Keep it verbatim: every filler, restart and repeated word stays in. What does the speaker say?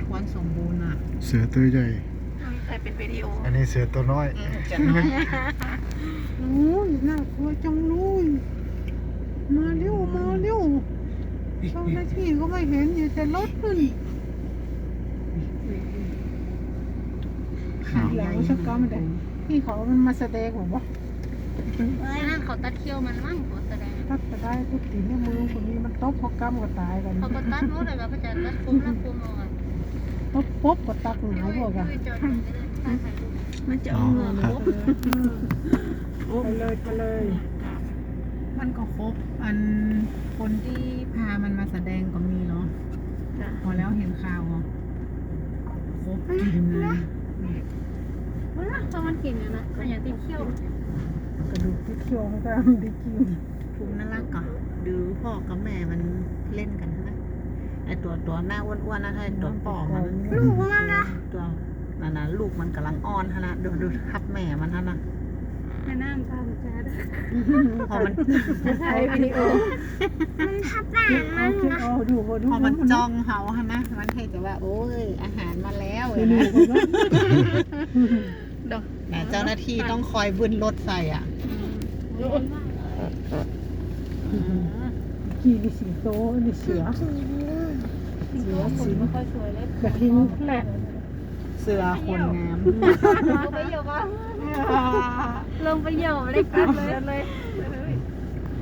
ควรสมบูรณ์อ่ะเสือตัวใหญ่ใครเป็นวิดีโออันนี้เสือตัวน้อยจะน้อยโอ้ยน่ากลัวจังเลยมาเร็วมาเร็วเจ้าหน้าที่ก็ไม่เห็นอยู่แต่รถขึ้นขาใหญ่ชักก้อนไม่ได้พี่เขามันมาแสดงผมว่านั่นเขาตัดเขี้ยวมันมั่งเขาแสดงถ้าจะได้ทุกทีในมือคนนี้มันตบพอกำก็ตายกันเขาก็ตัดรู้เลยว่าพระจันทร์ตัดคุ้มแล้วคุ้มเอาอ่ะตบปุ๊บก็ตักหงายพวกอะมันจะเอาเงินครบไปเลยไปเลย มันก็ครบอันคนที่พามันมาแสดงก็มีเนาะพอแล้วเห็นข่าวอ่ะครบกินเลยว่าพอมันกินเนี่ยนะมันอย่างติดเขี้ยวกระดูกที่เคี้ยวมันก็ได้กินภูมิน่ารักก่ะดูพ่อกับแม่มันเล่นกันนะไอตัวตัวหน้าอ้วนๆนะไอตัวป่อมันลูกมันนะตัวนั่นนะลูกมันกำลังอ้อนฮะนะดูดูทับแม่มันฮะนะให้น้ำตาลจ้าด้วยพอมันถ่ายวิดีโอมันทับหน้ามันนะดูพอมันจ้องเขาฮะนะมันเห็นแต่ว่าโอ้ยอาหารมาแล้วเลยนะแต่เจ้าหน้าที่ต้องคอยบึนรถใส่อ่ะ กี่นี่สิงโตนี่เสือเสือสิงไม่ค่อยสวยเลยกระทิงแหละเสือคนงามลงไปเหยียบอ่ะลงไปเหยียบเลยกันเลย